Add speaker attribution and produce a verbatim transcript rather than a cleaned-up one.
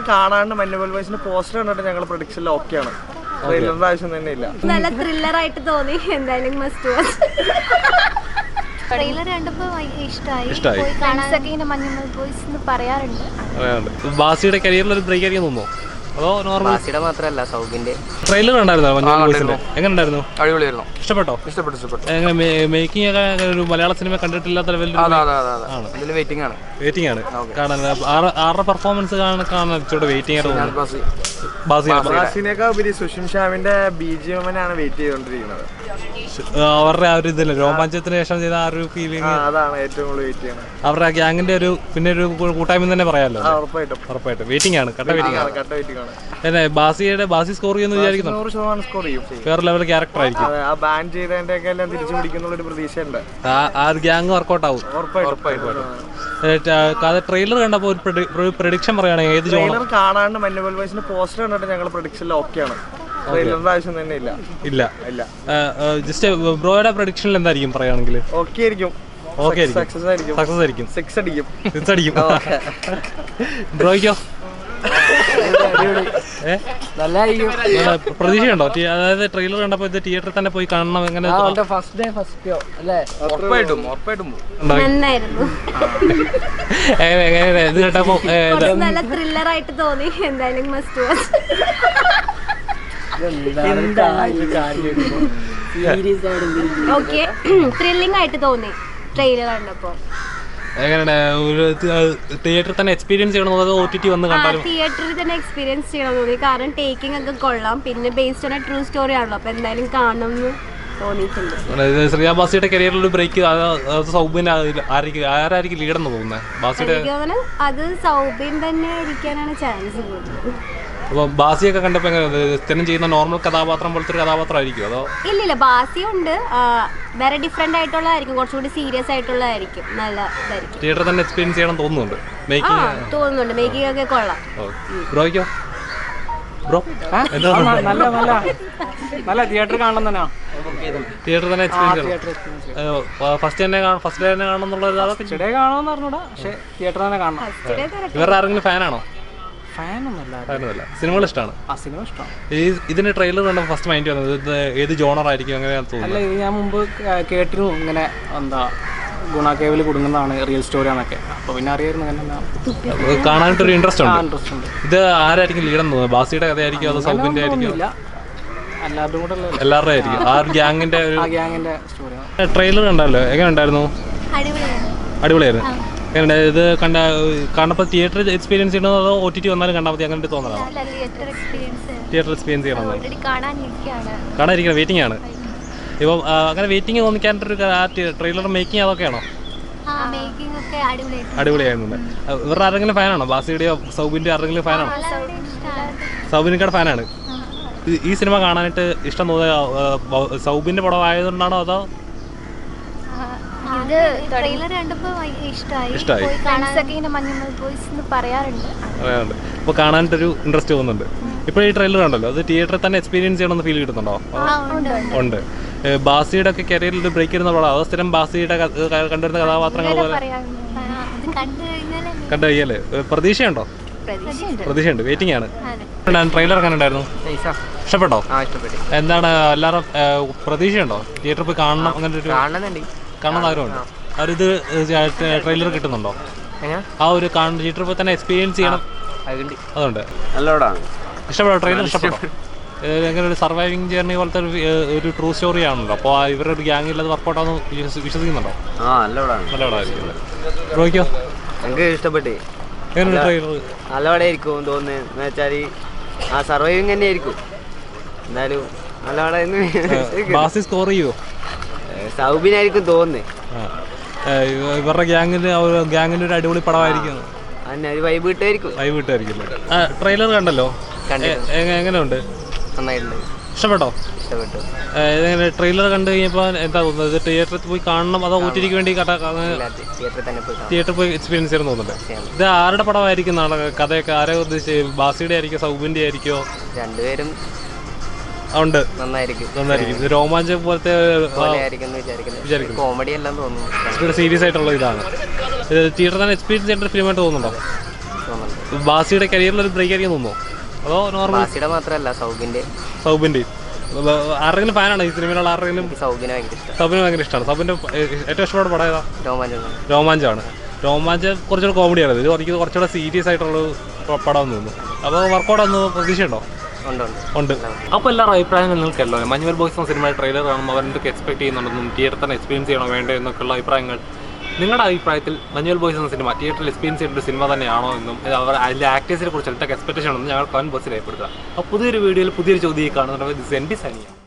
Speaker 1: കാണാണ്ട് മഞ്ഞുപോൽ വോയിസിന്റെ പോസ്റ്റർ കണ്ടിട്ട് ഞങ്ങൾ പ്രൊഡിക്ഷനിൽ ഓക്കെയാണ്. ട്രെയിലറിന്റെ ആവശ്യം തന്നെ ഇല്ല.
Speaker 2: നല്ല ത്രില്ലർ ആയിട്ട് തോന്നി. എന്തായാലും മസ്റ്റ് വാച്ച്. ട്രെയിലർ കണ്ടപ്പോ ഇഷ്ടമായി. പോയി കാണാനൊക്കെ ഇങ്ങനെ മഞ്ഞുപോൽ വോയിസ് എന്ന് പറയാറുണ്ട്.
Speaker 3: ബാസിയുടെ കരിയറിൽ ഒരു ബ്രേക്ക് ആയിരിക്കും തോന്നുന്നു. അതോ നോർമൽ?
Speaker 4: ബാസിയുടെ മാത്രമല്ല സൗബിന്റെ
Speaker 3: ട്രെയിലർ കണ്ടായിരുന്നോ? മഞ്ഞുപോൽ വോയിസിന്റെ എങ്ങനെ ഉണ്ടായിരുന്നു?
Speaker 4: അടിപൊളിയായിരുന്നു.
Speaker 3: ഇഷ്ടപ്പെട്ടോ?
Speaker 4: ഇഷ്ടപ്പെട്ടു ഇഷ്ടപ്പെട്ടു.
Speaker 3: എങ്ങനെ മേക്കിംഗ് ഒക്കെ ഒരു മലയാള സിനിമ കണ്ടിട്ടില്ലാത്ത ലെവലിൽ
Speaker 4: വെയിറ്റിംഗ് ആണ്
Speaker 3: വെയിറ്റിംഗ് ആണ് കാണാൻ. ആരുടെ പെർഫോമൻസ് കാണാൻ കാണാൻ ഇച്ചിരി വെയിറ്റിംഗ് ആയിട്ട് തോന്നുന്നു.
Speaker 1: ബാസിനേക്കാൾ ഉപരി സുഷിം ഷാമിന്റെ ബി ജി എമ്മിനാണ് വെയിറ്റ് ചെയ്തോണ്ടിരിക്കുന്നത്.
Speaker 3: അവരുടെ ആ ഒരു ഇതില്ല രോമാഞ്ചത്തിന് ശേഷം ചെയ്ത ആ ഒരു ഫീലിംഗ്
Speaker 1: അതാണ് ഏറ്റവും കൂടുതൽ വെയിറ്റ് ചെയ്യുന്നത്.
Speaker 3: അവരുടെ ഗ്യാങ്ങിന്റെ ഒരു പിന്നെ ഒരു കൂട്ടായ്മ തന്നെ പറയാമല്ലോ.
Speaker 1: ഉറപ്പായിട്ടും
Speaker 3: ഉറപ്പായിട്ടും വെയിറ്റിംഗ് ആണ്. കട്ട വെയിറ്റിംഗ് ആണ്.
Speaker 1: കട്ട വെയിറ്റിംഗ് ആണ്.
Speaker 3: അല്ലേ ബാസിയുടെ ബാസി സ്കോർ ചെയ്യുമെന്ന് വിചാരിക്കുന്നു.
Speaker 1: നൂറ് ശതമാനം സ്കോർ ചെയ്യും.
Speaker 3: വേറെ ലെവൽ ക്യാരക്ടർ ആയിരിക്കും.
Speaker 1: ആ ബാൻ ചെയ്തതിന്റെ ഒക്കെ എല്ലാം തിരിച്ചു പിടിക്കുന്ന ഒരു പ്രതീക്ഷയുണ്ട്.
Speaker 3: ആ ഒരു ഗ്യാങ് വർക്കൗട്ട് ആവും. ട്രെയിലർ കണ്ടപ്പോൾ ഒരു പ്രഡിക്ഷൻ പറയുകയാണെങ്കിൽ ഏത്
Speaker 1: ട്രെയിലർ കാണാണ്ട് മഞ്ഞുപോൽ വോയിസിന്റെ പോസ്റ്റർ കണ്ടിട്ട് ഞങ്ങൾ പ്രൊഡിക്ഷനിൽ ഓക്കെയാണ്. ട്രെയിലറിന്റെ ആവശ്യം തന്നെ ഇല്ല.
Speaker 3: ഇല്ല ഇല്ല ജസ്റ്റ് ബ്രോയുടെ പ്രഡിക്ഷനിൽ എന്തായിരിക്കും പറയുകയാണെങ്കിൽ?
Speaker 1: ഓക്കെ ആയിരിക്കും.
Speaker 3: ഓക്കെ ആയിരിക്കും. സക്സസ് ആയിരിക്കും. സക്സസ് ആയിരിക്കും.
Speaker 1: സിക്സ് അടിക്കും.
Speaker 3: സിക്സ് അടിക്കും. ബ്രോയ്ക്കോ? പ്രതീക്ഷയുണ്ടോ? അതായത് ട്രെയിലർ കണ്ടപ്പോ ഇത് തിയേറ്ററിൽ തന്നെ പോയി കാണണം. എങ്ങനെ
Speaker 4: ഫസ്റ്റ് ഡേ ഫസ്റ്റ് ഷോ അല്ലേ? ഉറപ്പായിട്ടും ഉറപ്പായിട്ടും
Speaker 2: നന്നായിരുന്നു.
Speaker 3: ഇത് കേട്ടപ്പോ
Speaker 2: നല്ല ത്രില്ലർ ആയിട്ട് തോന്നി. എന്തായാലും മസ്റ്റ് വാച്ച്. ഓക്കെ ത്രില്ലിംഗ് ആയിട്ട് തോന്നി ട്രെയിലർ കണ്ടപ്പോ.
Speaker 3: എങ്ങനെയാണ് ഒരു തിയേറ്ററിൽ തന്നെ എക്സ്പീരിയൻസ് ചെയ്യണോ അതോ ഒ ടി ടി വന്ന് കണ്ടാലും?
Speaker 2: തിയേറ്ററിൽ തന്നെ എക്സ്പീരിയൻസ് ചെയ്യണം തോന്നി. കാരണം ടേക്കിംഗ് ഒക്കെ കൊള്ളാം. പിന്നെ ബേസ്ഡ് ഓൺ ട്രൂ സ്റ്റോറി ആണല്ലോ. അപ്പൊ എന്തായാലും കാണണം എന്ന് തോന്നിയിട്ടുണ്ട്.
Speaker 3: ശ്രിയ ബാസിയുടെ കരിയറിൽ ഒരു ബ്രേക്ക് സൗബിൻ ആരായിരിക്കും ലീഡെന്ന് തോന്നുന്നത്? ബാസിയുടെ
Speaker 2: അത് സൗബിൻ തന്നെ ഇരിക്കാനാണ് ചാൻസ് കൂടുതൽ.
Speaker 3: അപ്പൊ ബാസിയൊക്കെ കണ്ടപ്പോ എങ്ങനെ സ്ഥിരം ചെയ്യുന്ന നോർമൽ കഥാപാത്രം പോലത്തെ ഒരു കഥാപാത്രമായിരിക്കും അതോ?
Speaker 2: ഇല്ലില്ല ബാസിയുണ്ട്. വേറെ ഡിഫറെന്റ് ആയിട്ടുള്ളതായിരിക്കും. കുറച്ചുകൂടി സീരിയസ് ആയിട്ടുള്ളതായിരിക്കും. നല്ല ഇതായിരിക്കും.
Speaker 3: തിയേറ്ററിൽ തന്നെ എക്സ്പീരിയൻസ് ചെയ്യണം തോന്നുന്നുണ്ട്.
Speaker 2: തോന്നുന്നുണ്ട്. മേക്കിംഗ് ഒക്കെ കൊള്ളാം.
Speaker 3: ബ്രോയ്ക്കോ? ബ്രോ
Speaker 4: നല്ല നല്ല നല്ല തിയേറ്റർ കാണണം തന്നെ.
Speaker 3: തിയേറ്ററിൽ തന്നെ എക്സ്പീരിയൻസ് ഫസ്റ്റ് തന്നെ ഫസ്റ്റ് ഡേ തന്നെ കാണണം എന്നുള്ളത്
Speaker 4: ഡേ കാണാമെന്ന് പറഞ്ഞൂടാ. പക്ഷെ തിയേറ്റർ തന്നെ കാണണം.
Speaker 3: ഇവരുടെ ആരെങ്കിലും ഫാനാണോ?
Speaker 4: ഫാനൊന്നുമല്ല.
Speaker 3: സിനിമകൾ ഇഷ്ടമാണ്. ഈ ഇതിന്റെ ട്രെയിലർ കണ്ടപ്പോൾ ഫസ്റ്റ് മൈൻഡ് വന്നത് ഇത് ഏത് ജോണർ ആയിരിക്കും അങ്ങനെയാണ് തോന്നുന്നത്?
Speaker 4: അല്ല ഇത് ഞാൻ മുമ്പ് കേട്ടിരുന്നു ഇങ്ങനെ എന്താ ഗുണ കേവിൽ കുടുങ്ങുന്നതാണ് റിയൽ സ്റ്റോറി ആണൊക്കെ. അപ്പൊ പിന്നെ അറിയായിരുന്നു അങ്ങനെ
Speaker 3: കാണാനായിട്ടൊരു ഇൻട്രസ്റ്റ് ഉണ്ട്.
Speaker 4: ഇൻട്രസ്റ്റ് ഉണ്ട്.
Speaker 3: ഇത് ആരായിരിക്കും ലീഡെന്ന് തോന്നുന്നത്? ബാസിയുടെ കഥയായിരിക്കും അതോ സൗബിന്റെ ആയിരിക്കും?
Speaker 4: എല്ലാവരും കൂടെ
Speaker 3: എല്ലാവരുടെ ആയിരിക്കും. ആ ഗ്യാങ്ങിന്റെ ഒരു
Speaker 4: ഗ്യാങ്ങിന്റെ സ്റ്റോറിയാണ്.
Speaker 3: ട്രെയിലർ കണ്ടല്ലോ എങ്ങനെ ഉണ്ടായിരുന്നു? അടിപൊളിയായിരുന്നു. എങ്ങനെ ഇത് കണ്ട കണ്ടപ്പോൾ തിയേറ്റർ എക്സ്പീരിയൻസ് ചെയ്യണോ അതോ ഒ ടി ടി വന്നാലും കണ്ടാൽ മതി അങ്ങനെ തോന്നലാണോ? തിയേറ്റർ എക്സ്പീരിയൻസ് ചെയ്യണം. കാണാതിരിക്കണം. വെയിറ്റിംഗ് ആണ്. ഇപ്പം അങ്ങനെ വെയിറ്റിംഗ് തോന്നിക്കാനൊരു ട്രെയിലർ മേക്കിംഗ് അതൊക്കെയാണോ? അടിപൊളിയായിരുന്നു. ഇവരുടെ ആരെങ്കിലും ഫാനാണോ? ബാസിയുടെയോ സൗബിന്റെ ആരെങ്കിലും ഫാനാണോ? സൗബിനിക്കയുടെ ഫാനാണ്. ഈ സിനിമ കാണാനായിട്ട് ഇഷ്ടം തോന്നിയ സൗബിന്റെ പടം ആയതുകൊണ്ടാണോ അതോ? ഇഷ്ടമായി.
Speaker 2: പറയാറുണ്ട്.
Speaker 3: അപ്പൊ കാണാനായിട്ടൊരു ഇൻട്രസ്റ്റ് തോന്നുന്നുണ്ട്. ഇപ്പോൾ ഈ ട്രെയിലർ കണ്ടല്ലോ അത് തിയേറ്ററിൽ തന്നെ എക്സ്പീരിയൻസ് ചെയ്യണമെന്ന് ഫീൽ കിട്ടുന്നുണ്ടോ? ഉണ്ട്. ബാസിയുടെ ഒക്കെ കരിയറിൽ ബ്രേക്ക് ചെയ്യുന്ന പടം അതോ സ്ഥിരം ബാസിയുടെ കണ്ടുവരുന്ന കഥാപാത്രങ്ങൾ പോലെ കണ്ടു കഴിഞ്ഞാല് പ്രതീക്ഷയുണ്ടോ? പ്രതീക്ഷയുണ്ട്. വെയിറ്റിംഗ് ആണ്. ട്രെയിലർ എങ്ങനെ ഉണ്ടായിരുന്നു? ഇഷ്ടപ്പെട്ടോ? എന്താണ് എല്ലാവരും പ്രതീക്ഷയുണ്ടോ തിയേറ്ററിൽ പോയി കാണണം? അങ്ങനെ ഒരു കാണുന്ന ആഗ്രഹമുണ്ട്. അവരിത് ട്രെയിലർ കിട്ടുന്നുണ്ടോ? ആ ഒരു തിയേറ്ററിൽ പോയി തന്നെ എക്സ്പീരിയൻസ് ചെയ്യണം അതുകൊണ്ട് ഇഷ്ടപ്പെട്ടോ? ട്രെയിലർ ഇഷ്ടപ്പെട്ടോ? എങ്ങനെ ഒരു സർവൈവിങ് ജേർണി പോലത്തെ ഒരു ട്രൂ സ്റ്റോറി ആണല്ലോ. അപ്പോൾ ഇവരുടെ ഒരു ഗ്യാങ്ങിൽ അത് വർക്കൗട്ട് ആണെന്ന് വിശ്വസിക്കുന്നുണ്ടോ? നല്ല പടമായിരിക്കും. ബ്രോയ്ക്കോ?
Speaker 4: എനിക്ക് ഇഷ്ടപ്പെട്ടു.
Speaker 3: എങ്ങനെ ട്രെയിലർ?
Speaker 4: നല്ല പടമായിരിക്കും തോന്നുന്നത്. എന്ന് വെച്ചാൽ ആ സർവൈവിങ് തന്നെ ആയിരിക്കും. എന്തായാലും നല്ല പടം.
Speaker 3: ബാസി സ്കോർ ചെയ്യുമോ?
Speaker 4: സൗബിനായിരിക്കും തോന്നുന്നത്.
Speaker 3: ഇവരുടെ ഗ്യാങ്ങിന് ഗ്യാങ്ങിന്റെ ഒരു അടിപൊളി പടമായിരിക്കും.
Speaker 4: വൈബ് കിട്ടായിരിക്കും.
Speaker 3: വൈബ് കിട്ടായിരിക്കും. ട്രെയിലർ കണ്ടല്ലോ എങ്ങനെയുണ്ട്?
Speaker 4: നന്നായിട്ടുണ്ട്.
Speaker 3: ഇഷ്ടപ്പെട്ടോ?
Speaker 4: ഇഷ്ടപ്പെട്ടു.
Speaker 3: എങ്ങനെ ട്രെയിലർ കണ്ടു കഴിഞ്ഞപ്പോൾ എന്താ തോന്നുന്നത്? തിയേറ്ററിൽ പോയി കാണണം അതോ ഒ ടി ടിക്ക് വേണ്ടി തിയേറ്ററിൽ പോയി എക്സ്പീരിയൻസ് ചെയ്യണം തോന്നുന്നുണ്ട്. ഇത് ആരുടെ പടമായിരിക്കും? നാളെ കഥയൊക്കെ ആരെ ഉദ്ദേശിച്ച്? ബാസിയുടെ ആയിരിക്കും സൗബിന്റെ ആയിരിക്കോ?
Speaker 4: രണ്ടുപേരും
Speaker 3: ഉണ്ട്.
Speaker 4: നന്നായിരിക്കും.
Speaker 3: നന്നായിരിക്കും. രോമാഞ്ചം പോലത്തെ
Speaker 4: കോമഡി എല്ലാം തോന്നുന്നു.
Speaker 3: സീരിയസ് ആയിട്ടുള്ള ഇതാണ്. തിയേറ്ററിൽ തന്നെ എക്സ്പീരിയൻസ് ചെയ്യേണ്ട ഫിലിമായിട്ട് തോന്നുന്നുണ്ടോ?
Speaker 4: തോന്നുന്നുണ്ട്.
Speaker 3: ബാസിയുടെ കരിയറിലൊരു ബ്രേക്ക് ആയിരിക്കും തോന്നുന്നു അതോ നോർമൽ?
Speaker 5: ബാസിയുടെ മാത്രമല്ല സൗബിന്റെ
Speaker 3: സൗബിൻ്റെ ആരെങ്കിലും ഫാനാണ് ഈ സിനിമയിലുള്ള ആരെങ്കിലും?
Speaker 5: സൗബിനെ ഭയങ്കര ഇഷ്ടം.
Speaker 3: സൗബിന് ഭയങ്കര ഇഷ്ടമാണ്. സൗബിൻ്റെ ഏറ്റവും ഇഷ്ടപ്പെട്ട പടം ഏതാ?
Speaker 5: രോമാഞ്ചം.
Speaker 3: രോമാഞ്ചമാണ്. രോമാഞ്ചം കുറച്ചുകൂടെ കോമഡിയാണ്. ഇത് എനിക്ക് കുറച്ചുകൂടെ സീരിയസ് ആയിട്ടുള്ള പടം തോന്നുന്നു. അപ്പോൾ വർക്കൗട്ട് ഒന്ന് പ്രതീക്ഷയുണ്ടോ? ഉണ്ട്. അപ്പോൾ എല്ലാവരും അഭിപ്രായങ്ങൾ നിങ്ങൾക്കല്ലോ മഞ്ഞുമൽ ബോയ്സ് എന്ന സിനിമയുടെ ട്രെയിലർ കാണുമ്പോൾ അവരെന്തൊക്കെ എക്സ്പെക്ട് ചെയ്യുന്നുണ്ടെന്നും തിയേറ്ററിൽ തന്നെ എക്സ്പീരിയൻസ് ചെയ്യണോ വേണ്ടോ എന്നൊക്കെയുള്ള അഭിപ്രായങ്ങൾ നിങ്ങളുടെ അഭിപ്രായത്തിൽ മഞ്ഞുമൽ ബോയ്സ് എന്ന സിനിമ തിയേറ്ററിൽ എക്സ്പീരിയൻസ് ചെയ്യേണ്ട ഒരു സിനിമ തന്നെയാണോ എന്നും അവർ അതിൻ്റെ ആക്ടേഴ്സിനെ കുറിച്ച് എന്തൊക്കെ എക്സ്പെക്ടേഷൻ ഉണ്ടെന്ന് ഞങ്ങൾ കമന്റ് ബോക്സിൽ രേഖപ്പെടുത്തുക. അപ്പോൾ പുതിയൊരു വീഡിയോയിൽ പുതിയൊരു ചോദ്യം കാണുന്നുണ്ടെങ്കിൽ ദിസ് എൻ ബി സനിയ.